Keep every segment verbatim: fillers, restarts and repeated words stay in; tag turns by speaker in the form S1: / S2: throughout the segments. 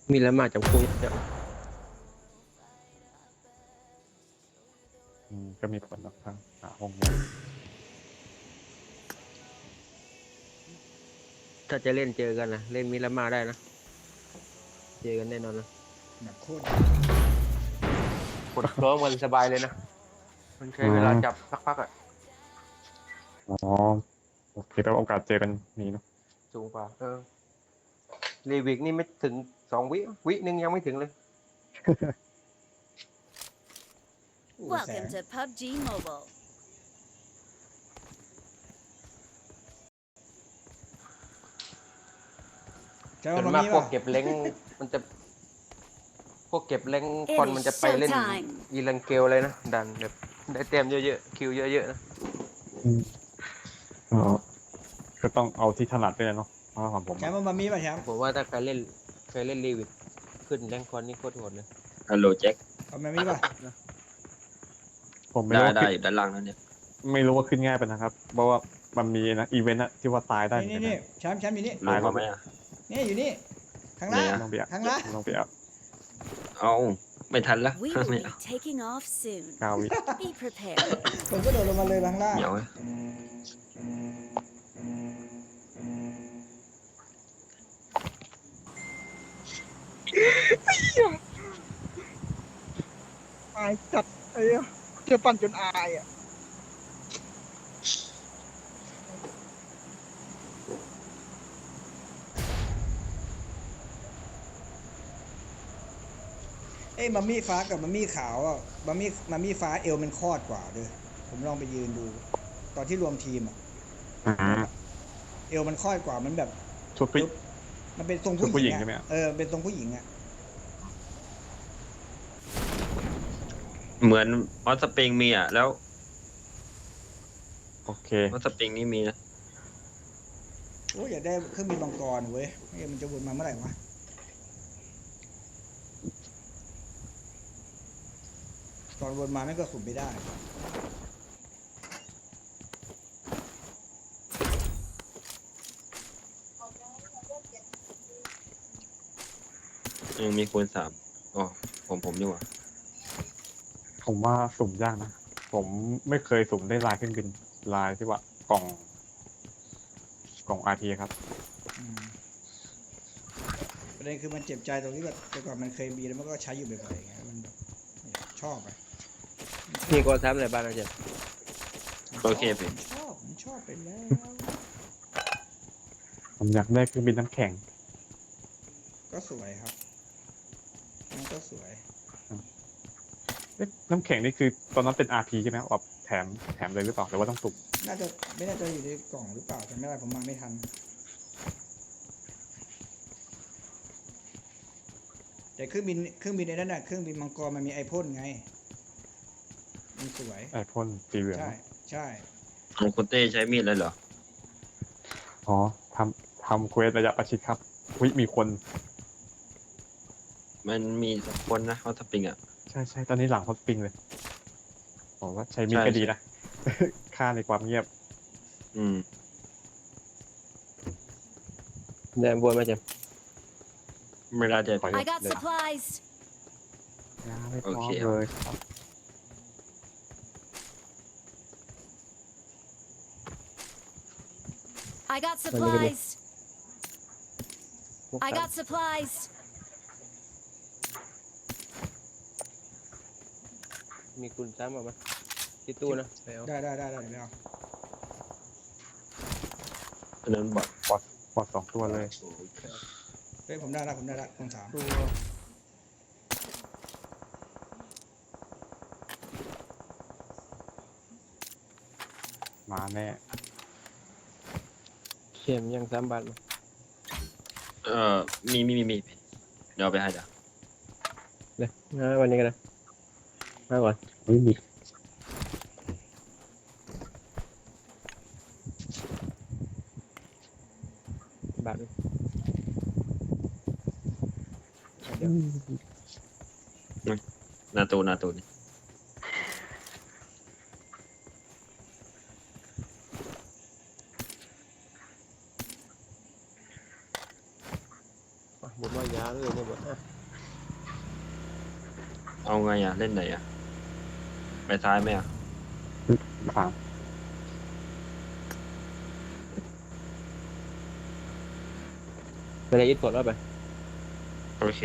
S1: มีแล้วมาจากคุยเนี่ย
S2: อืมก็มีผลนะครับหาห้องว่าง
S1: ถ้าจะเล่นเจอกันนะเล่นมิลามาได้นะเจอกันแน่นอนนะ
S3: แบบโคตร
S1: กดพร้อมกันสบายเลยนะมันใช้เวลาจับสักพักอะ
S2: อ๋อโอเคแต่โอกาสเจอกันนี้เนาะ
S1: สูงกว่าเออรีวิกนี่ไม่ถึงสองวิวิหนึ่งยังไม่ถึงเลย
S3: อู้แส
S4: Welcome
S3: ง
S4: to พับจี Mobile.
S3: ใช่
S1: ส่
S3: ว่า
S1: วน
S3: มัน
S1: มาก
S3: มี
S1: พว
S3: ป่ะ
S1: กเก็บเล้งมันจะ พวกเก็บเล้ง
S4: It
S1: คน
S4: is
S1: มันจะไปเล่น
S4: showtime
S1: อีลังเกลเลยนะดันแบบได้เต็มเยอะๆคิวเยอะๆนะ
S2: อืมอ๋อก็ต้องเอาที่ถนัดด้วยเนาะเพราะของผม
S3: แชมป์ว่ามันมีป่ะแชมป์
S1: ผมว่าถ้าใครเล่นใครเล่นรีวิกขึ้นแรงคอนนี่โคตรโหดเลย
S5: ฮัลโหลแจ็ค
S3: ว่ามันมีป่ะ
S2: ผมไม่
S5: ได้
S2: รู้ว่า
S5: ได้
S2: ขึ้น
S5: อยู่ด้านล่างนั่นเนี่ย
S2: ไม่รู้ว่าขึ้นง่ายไปนะครับ เพราะว่ามันมีนะอีเวนต์อะที่ว่าตายได้เหมื
S3: นี่
S2: อน
S3: นี่
S2: กัน
S3: นี่
S2: นะ
S3: แชมป์แชมป์อยู่นี่
S5: ลงมาไหมอ่ะ
S3: นี่อยู่นี่ข้างล่าง
S5: ไหนอะ
S2: ลองไปอ่ะ
S3: ข้างล่าง
S2: ลองไปอ่ะ
S5: เอาไม่ทันละ
S4: We
S5: ไม่
S4: will
S5: เอา
S4: be taking off soon.
S2: เก้าวิ
S4: Be prepared.
S3: ผมก็โดดลงมาเลยข้างล่าง
S5: เหนียวไหม
S6: อายจัดไอ้เหี้ยเจอปั่นจนอายอ่ะ
S3: เอ้ยมัมมี่ฟ้ากับมัมมี่ขาวอ่ะมัมมี่มัมมี่ฟ้าเอวมันคอดกว่าด้วยผมลองไปยืนดู ตอนที่รวมทีมอ่ะ
S2: อ่า
S3: เอวมันคอดกว่ามันแบบ
S2: ชุดผู้
S3: มันเป็นทรง
S2: ชุดผู้
S3: ผู้
S2: ห
S3: ห
S2: ญิ
S3: ญิ
S2: ง
S3: ง
S2: ใช่ไหม
S3: อ่ะ
S2: อะ
S3: เออเป็นทรงผู้หญิงอ่ะ
S5: เหมือนออสปริงมีอ่ะ แล้ว
S2: โอเค
S5: ออสปริงนี่มีนะ
S3: โอ้ยอยากได้เครื่องบินมังกรเว้ยไม่งั้นมันจะวนมาเมื่อไหร่วะตอนวนมาไม่งก็สุ่มไม่ได้
S5: ยังมีคูณสามอ๋อผมผมดีกว่า
S2: ผมว่าสุ่มยากนะ ผมไม่เคยสุ่มได้ลายเครื่องบินลายที่ว่ากล่อง กล่องอาร์ทีครับ
S3: อืมประเด็นคือมันเจ็บใจตรงที่แบบแต่ก่อนมันเคยมีแล้วมันก็ใช้อยู่บ่อยๆไงมันแบบชอบอะ
S1: มีกอซ้ำอะไรบ้างนะเจ๊
S5: โอเคพี่
S3: มันชอบมันชอบไปแล้ว
S2: ผมอยากได้เครื่องบินน้ำแข็ง
S3: ก็สวยครับมันก็สวย
S2: เอ๊ะน้ำแข็งนี่คือตอนนั้นเป็น อาร์ พี ใช่ไหมแบบแถมแถมเลยหรือเปล่าหรือว่าต้องสุ่ม
S3: น่าจะไม่น่าจะอยู่ในกล่องหรือเปล่าจำไม่ได้ผมมาไม่ทัน แต่เครื่องบินเครื่องบินในนั้นน่ะเครื่องบินมังกรมันมีไอพ่นไงมันสวย
S2: ไอพ่นสีเหลือง
S3: ใช่ใช่
S5: ของคุณเต้ใช้มีดเลยเหรอ
S2: อ๋อทำทำเควสระยะประชิดครับวิมีคน
S5: มันมีสักคนนะออสปริงอ่ะ
S2: ใช่ใช่ตอนนี้หลังฮอตสปริงเลยบอกว่าใช้มีด
S5: ใช่
S2: ก็ดีนะ ค่าในความเงียบ
S5: อืม
S1: เดินบวนมาเจ๊
S5: ไม่ได้จะ
S2: ขอ
S4: I got supplies.
S2: ยาไม่พ
S5: โอ
S2: ร้อ
S5: เค
S2: มเลยครับ
S4: I got supplies. I got supplies.
S1: มีคุณซ้ำมาไหมที่ตู้นะไปเอา
S3: ได้ได้ได้ได้เดี๋ยวไม่เอา
S5: อันนั้นบอท
S2: ปอดปอดสองตัวเลย
S3: เฮ้ยผมได้ละผมได้ละคนสาม
S1: ตู้
S2: มาแน่
S1: เข้มยังซ้ำบัตรมา
S5: เอ่อมีมีมีมีเดี๋ยวเอาไปให้เดี๋ยว
S1: เลยนะวันนี้กันนะมาก่อน
S2: ไม่มี
S1: บัตร
S5: นาตูนาตูนี่
S1: บุญว่ายาเลยอยู่ไม่หมดอ่ะ
S5: เอาไงอ่ะเล่นไหนอ่ะไปซ้ายไหมอ่ะ
S2: สาม
S1: ไปเลยอิทกดแล้วไป
S5: โอเค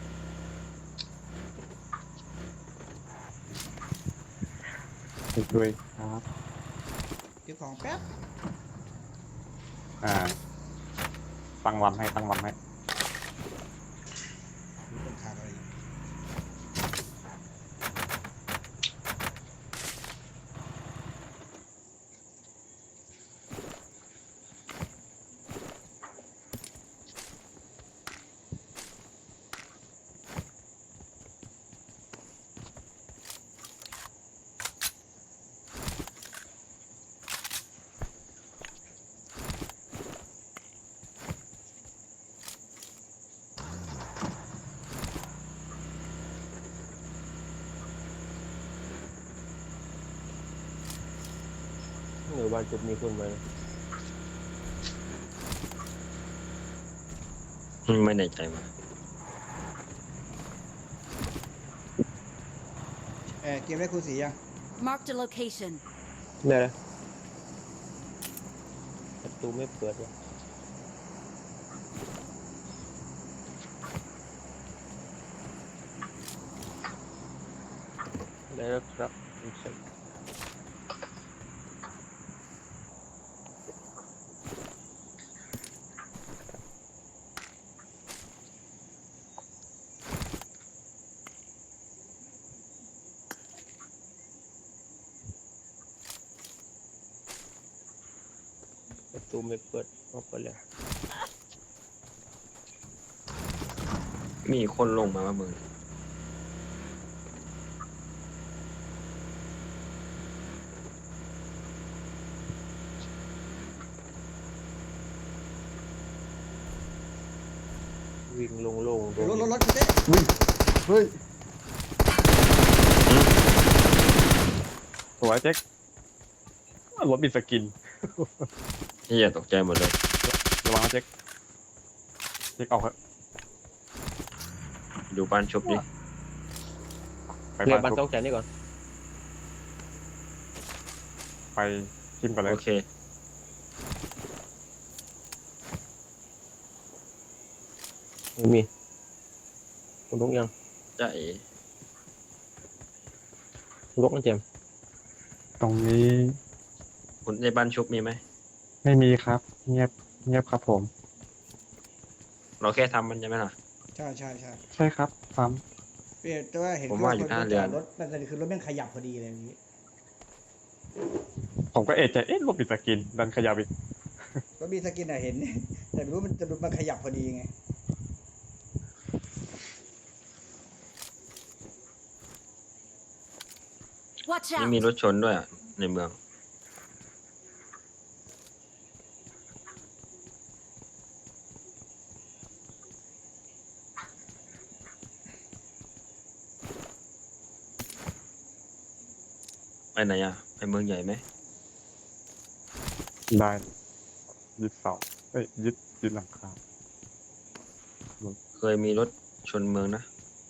S2: อีกด้วยครับ
S3: เก็บของแป๊บ
S2: อ่า ตั้งลำให้ตั้งลำให้
S3: มีคนขาดอะไรอีก
S1: หรือวันจุดมีคุณไหม
S5: ไม่แน่ใจว่ะ
S3: เออเกมได้คูณสียัง
S4: Marked a location.
S1: ได้เลยประตูไม่เปิดวะได้แล้วครับคุณเสกประตูไม่เปิดออกไปแล้ว
S5: มีคนลงมาว่ามึง
S1: วิ่งลงโล่ง
S3: เดี๋ยวรถรถรถคุณเต้
S2: เฮ้ยสวยเจ๊กรถบิดสกิน
S5: ที่อย่าตกใจหมดเลย
S2: ระวังนะเจ๊กเจ๊กเอาเถอะ
S5: ดูบ้านชุบดิ
S2: ไป
S1: เรียกบั
S2: บ้าน น
S1: ต้
S2: ทุ
S1: อก งใจนี่ก่อน
S2: ไปชิมก่อนเลย
S5: โอเค
S1: ไม่มีคุณลุกยัง
S5: จะเอ๋
S1: คุณลุกนะเจมส์
S2: ตรงนี้
S5: คุณในบ้านชุบมีไหม
S2: ไม่มีครับ เงียบเงียบครับผม
S5: เราแค่ทำมันใช่ไหมล่ะ
S3: ใช่ใช่ใช่
S2: ใช่ครับปั๊ม
S3: เปลี่ยนแต่ว่าเห็น
S5: ผมว่าอยู่หน้าเรือน
S3: รถมันจะคือรถแม่งขยับพอดีเลยอย่างนี้
S2: ผมก็เอะใจเอ๊ะรถบิดสกิน ดันขยับอีก
S3: ก็มีสกินอะเห็น แต่ไม่รู้มันจะมันขยับพอดีไง
S4: Watch
S5: นี่
S4: out!
S5: มีรถชนด้วยอะในเมือง ไปไหนอ่ะ ไปเมืองใหญ่ไหม
S2: ได้ยึดเสาเอ้ยยึดยึดหลังคา
S5: เคยมีรถชนเมืองนะ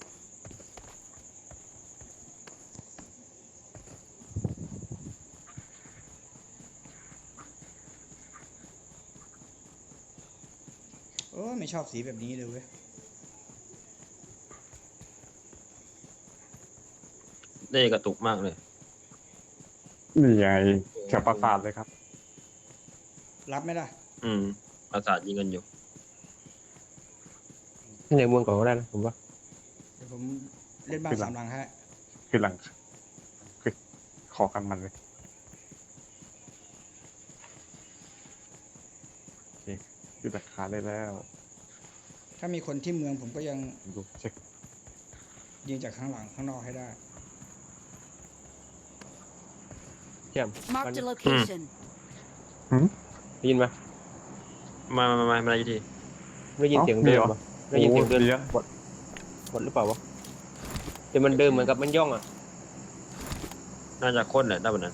S3: โอ้ไม่ชอบสีแบบนี้เลยเว้ย
S5: ได้กระตุกมากเลย
S2: นี่ไงแถวปราสาทเลยครับ
S3: รับไหมล่ะ
S5: อืมประสาทยิงกันอยู่
S1: ในเมืองก่อนก็ได้นะผมว่า
S3: เดี๋ยวผมเล่นบ้าน
S2: ขึ้นหลั
S3: สาง มหลังให้
S2: คือหลังคือขอกันมันเลยโอเคยึดหลังคาได้แล้ว
S3: ถ้ามีคนที่เมืองผมก็ยัง
S2: ดูเช็ค
S3: ยิงจากข้างหลังข้างนอกให้ได้
S1: เจมส์
S4: Marked a location.
S1: ได้ยินไหม
S5: มามามามามาอยู่ดี
S1: ได้ยินเสียงเดินปะได้ยินเสียงเดิน
S2: โอ้เดี๋ยว
S1: บดบดหรือเปล่าวะแต่มันเดินเหมือนกับมันย่องอ่ะ
S5: น่าจะค้นแหละได้แบบนั้น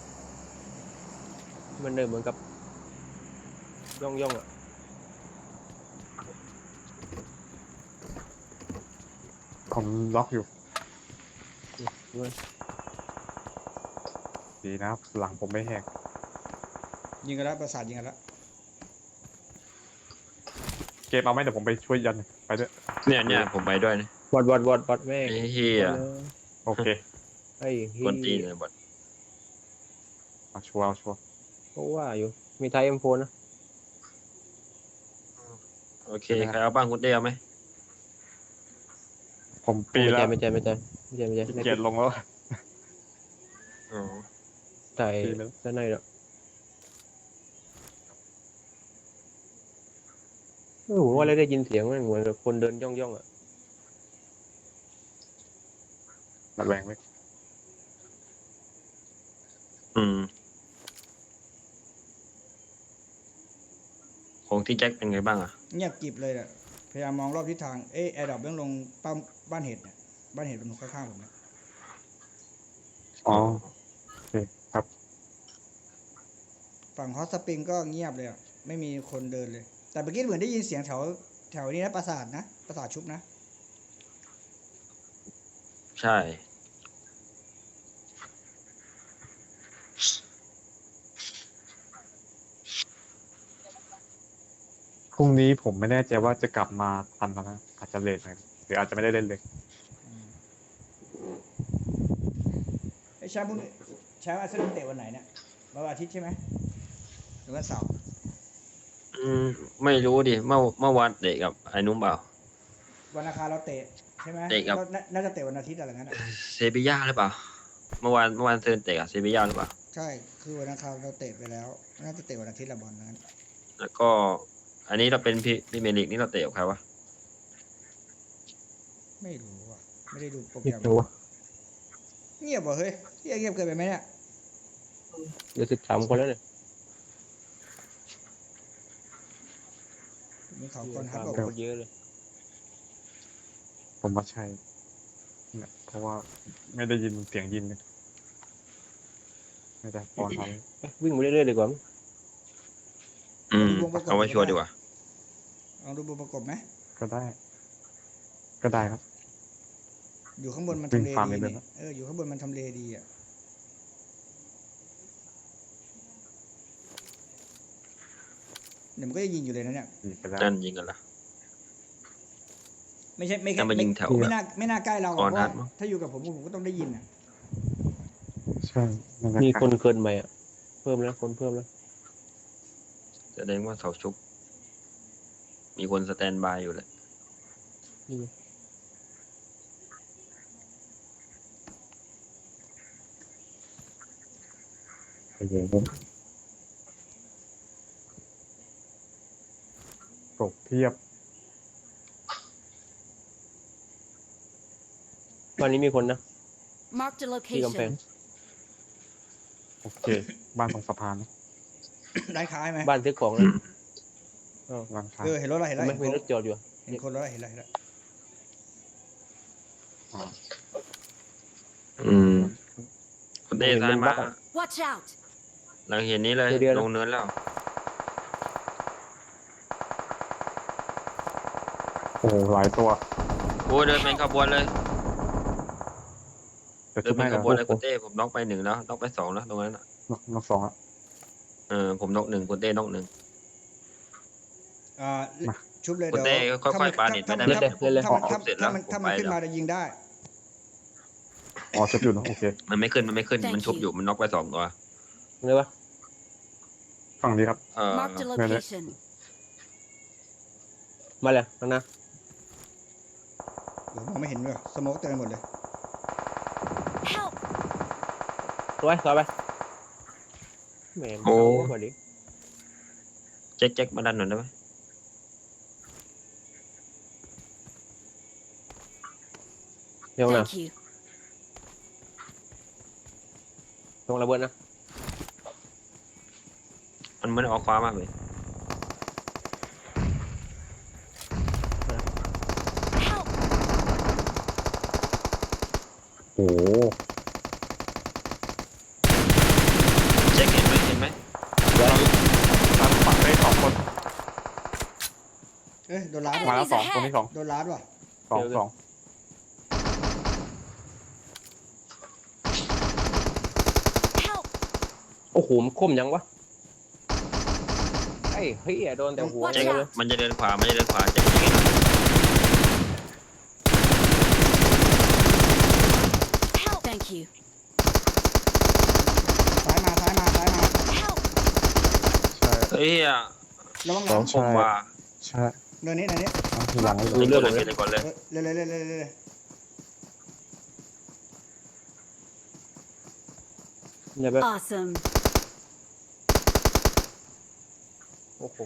S1: มันเดินเหมือนกับย่องย่องอ่ะ
S2: ผมล็อกอยู่
S7: ด้วย
S2: ดีนะครับหลังผมไม่แหก
S3: ยิงกันแล้วประสาทยิงกันแล้ว
S2: เกมเอาไหมเดี๋ยวผมไปช่วยยันไปด้วย
S5: เนี่ยเนี่ยผมไปด้วยนะ
S7: บอดบอดบอดบอดแม่ง
S5: ไอ้เฮีย
S2: โอเค
S7: ไอ้เฮี
S5: กวนตีน
S7: ย
S5: เลยบอด
S2: เอาชัวร์เอาชัวร์
S7: ก็ว่าอยู่มีไทยเอ็มโฟนะ
S5: โอเคใครเอาบ้างคุณเต้เอาไหม
S2: ผมปี
S7: ไม่
S2: แล้
S7: ใช่
S2: ว
S7: ไม่ใช่ไม่ใช่ไม่ใช่ไม่ใช่
S2: ขี้
S7: ไม่
S2: เกียจลงแล้ว
S5: อ๋อ
S7: ไทย
S2: ปีแล้ว
S7: ด้านในหรอกเออผมว่าเลยได้ยินเสียงมันเหมือนกับคนเดินย่องย่องๆอ่ะ
S2: ระแวงไว้
S5: อืมของที่แจ็คเป็นไงบ้างอ่ะ
S3: เงียบกริบเลยอะพยายามมองรอบทิศทาง เอ้ยแอร์ดรอปเรื่องลงป้ามบ้านเห็ดเนี่ยบ้านเห็ดมันข้างๆผมเนี่ย
S2: อ๋อโอเคครับ
S3: ฝั่งฮอตสปริงก็เงียบเลยอะไม่มีคนเดินเลย แต่เมื่อกี้เหมือนได้ยินเสียงแถวแถวนี้นะปราสาทนะปราสาทชุบนะ
S5: ใช่
S2: พรุ่งนี้ผมไม่แน่ใจว่าจะกลับมาทันแล้วนะอาจจะเลทหน่อยหรืออาจจะไม่ได้เล่นเลย
S3: ไอ้แชมป์พวกนี้แชมป์อาร์เซนอลเตะวันไหนเนี่ยวันอาทิตย์ใช่ไหมหรือวันเสาร์
S5: อืมไม่รู้ดิเมื่อเมื่อวานเตะกับไอ้นุ่มเปล่า
S3: วันอังคารเราเตะใช่ไหม
S5: เตะกับ
S3: ก็น่าน่าจะเตะวันอาทิตย์อะไรงั้นอะ
S5: เซบีย่าหรือเปล่า เมื่อวานเมื่อวานเซนเตะกับเซบีย่าหรือเปล่า
S3: ใช่คือวันอังคารเราเตะไปแล้ว น่าจะเตะวันอาทิตย์ละบอลนั้น
S5: แล้วก็อันนี้เราเป็นพรีพรีเมียร์ลีกนี่เราเตะกับใครวะ
S3: ไม่รู้อ่ะไม่ได้ดูโปรแก
S7: ไม่
S3: รม
S7: รู้ว่า
S3: เงียบว่ะเฮ้ยเงียบเงียบเกินไปไหมเนี่ย
S7: เดี๋ยวสิบสามคนแล้วเนี่ย
S3: มีข่าวก่อนครับ
S7: ค
S3: บอก
S7: นเยอะเลย
S2: ผมว่าใช่เนี่ยเพราะว่าไม่ได้ยินเสียงยินเลยไม่ได้ปอนอะไร
S7: เอ้ยวิ่งไปเรื่อยๆดีกว่ามั้ง
S5: อืมเอาไว้ชัวร์ดีกว่า
S3: ลองดูบทประกบไหม
S2: ก็ได้ ก็ได้ครับ
S3: อยู่ข้างบนมัน
S2: วิ่
S3: ทำ
S2: ง
S3: เล
S2: ฟาร์ม
S3: ดี
S2: เลย
S3: นี่
S2: นะ
S3: เอออยู่ข้างบนมันทำเลดีอ่ะเดี๋ยวมันก็จะยิงอยู่เลยนะเนี่ย
S2: ดีไปแล้ว
S5: นั่นยิงกันละ
S3: ไม่ใช่ไม่
S5: แต่
S3: แค่
S5: มา
S3: ไม่
S5: ยิงแถว
S3: ไม่น่าไม่น่าใกล้เราอะ
S5: ก่อน
S3: เพราะ
S5: นั
S3: ว่า
S5: ดมั้ง
S3: ถ้าอยู่กับผมผมก็ต้องได้ยินอ่ะ
S2: ใช่นั่นแหละ
S7: มี
S2: รับ
S7: คนเกินใหม่อ่ะเพิ่มแล้วคนเพิ่มแล้ว
S5: แสดงว่าเสาชุบ มีคนสแตนบายอยู่แหละ
S7: นี่ไง
S2: โอเคครับตกเทียบ
S7: วันนี้มีคนนะ
S4: Marked a
S7: ที่กำแพง
S4: location.
S2: โอเค บ้านตรงสะพานนะ
S3: ร้านค้าใช่ไหม
S7: บ้านซื้อของนะ
S2: ร้านค้า
S3: เออเห็นรถแล้วเห็นแล้ว
S7: ไม่
S3: เห็น
S7: มี
S3: คน
S7: รถจอดอยู่อะ
S3: เห็นคนแล้วเห็นแล้วเห็นแล้ว
S2: อ๋อ
S5: อืมคุณเต้ซ้ายมา
S4: Watch out!
S5: หลังเห็นนี้เลย
S7: เดี๋ยวๆนะ
S5: ลงเนินแล้ว
S2: โอ้โหหลายตัว
S5: โอ้ยเดินเป็นขบวนเลย
S2: แต่
S5: เดิ
S2: ชุ
S5: น
S2: ด
S5: เป็
S2: ไม่
S5: นข
S2: นะ
S5: บวนเลยคุณเต้ผมน็อกไปหนึ่งแล้วน็อกไปสองแล้วตรงนั้นอ่ะ
S2: นกนกสองอ่ะ
S5: เออผมน็อกหนึ่งคุณเต้น็อกหนึ่ง
S3: อ่า
S2: มา
S3: ชุบเลย
S5: คุณ
S3: เดี๋ยว
S5: เต้ค่อยๆปาเน็ต
S3: ถ้า
S5: ไม่
S3: มัน
S5: ได้
S3: ถ้า
S5: ไหม
S3: ถ้ามัน
S5: ผม
S3: ถ้า
S5: เสร็จแล้ว
S3: มัน
S5: ผม
S3: ถ้ามัน
S5: ไป
S3: ขึ้น
S5: แล้ว
S3: มาจะยิงได้
S2: อ๋อชุดอยู่นะโอเค
S5: มันไม่ขึ้นมันไม่ขึ้น
S4: Thank
S5: มันชุบ
S4: you
S5: อยู่มันน็อกไปสองตัว
S7: เลยวะ
S2: ฝั่งนี้ครับ
S5: เออ
S4: Marked a
S2: no, no.
S4: location.
S7: มาเลยข้างหน้า
S3: โอ้มองไม่เห็นเลยสโมกเต็มไปหมดเลย
S4: Help!
S7: สวยสวยไปแหมมันเอาพอดี
S5: แจ็คแจ็คมาดันหน่อยได้ไหม
S7: เดี๋ยวนะ
S4: Thank you.
S7: ตรงระเบิดนะ
S5: มันไม่ได้ออกขวามากเลย
S4: Help!
S2: โอ้โห
S5: แจ็คเห็นไหมเห็นไหม
S2: ทางฝั่งได้สองคน
S3: เอ้ยโดนล้าด
S2: มา
S3: ว่ะ
S2: แล้วสองคนที่สอง
S3: โดนล้าดว่ะ
S2: สองสอง
S7: โอ้โหมันคมยังวะไอ้เฮ้ยโดนแต่หัว
S4: Watch
S5: แจ็ค
S7: เลย
S5: มันจะเดินขวา มันจะเดินขวาแจ็คยิงให้หน่อย
S4: Help! Thank you.
S3: ซ้ายมาซ้ายมาซ้ายมา
S4: Help!
S2: ใช่
S5: เฮ้ยอะ
S3: ระวังห
S2: อ๋
S3: ลั
S2: อ
S3: ง
S2: ใช่
S5: ผมว่า
S2: ใช่
S3: เนินนี้เนินนี้
S2: ทีหลังเลย
S5: เล่นก่อนเลยเล่นก่อนเลย
S3: เออเร็วเร็วเร็วเร็วเร็วเร็ว
S7: อย่าแบบ
S4: Awesome.
S7: โอ้โห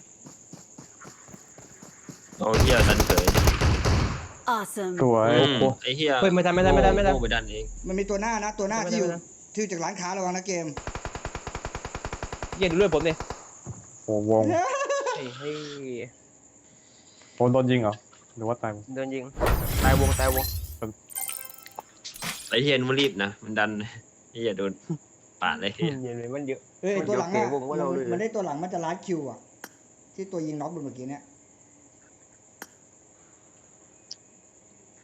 S5: เอาเฮียดันเฉย
S4: Awesome.
S2: สวย
S5: อืมไอ้เฮีย
S7: เฮ้ยไม่ทันไม่ทันไม่ทันไม่ทัน
S5: โง่ไปดันเอง
S3: มันมีตัวหน้านะตัวหน้า
S7: ไม่
S3: ที่อยู่
S7: ไม่ไม่
S3: ที่อยู่จากร้านค้าระวังนะเกม
S7: เย็นดูเลือดผมดิ
S2: โอ้วง
S7: ไอ้เฮ้ย
S2: โดนโดนยิงเหรอหรือว่าตาย
S7: เดินยิงตายวงตายวง
S5: ไอ้เฮียมันรีบนะ มันดันไอ้เฮียโดนปาดเลย
S7: เย็นเลยมันเยอะ
S3: เอ้ยไอ้ตัวหลัง
S7: มัน
S3: อ่ะ
S7: เดี๋ยวเก๋วงว่าเราเลย
S3: มันได้ตัวหลังมันจะลัดคิวอ่ะที่ตัวยิงน็อกโดนเมื่อกี้เนี่ย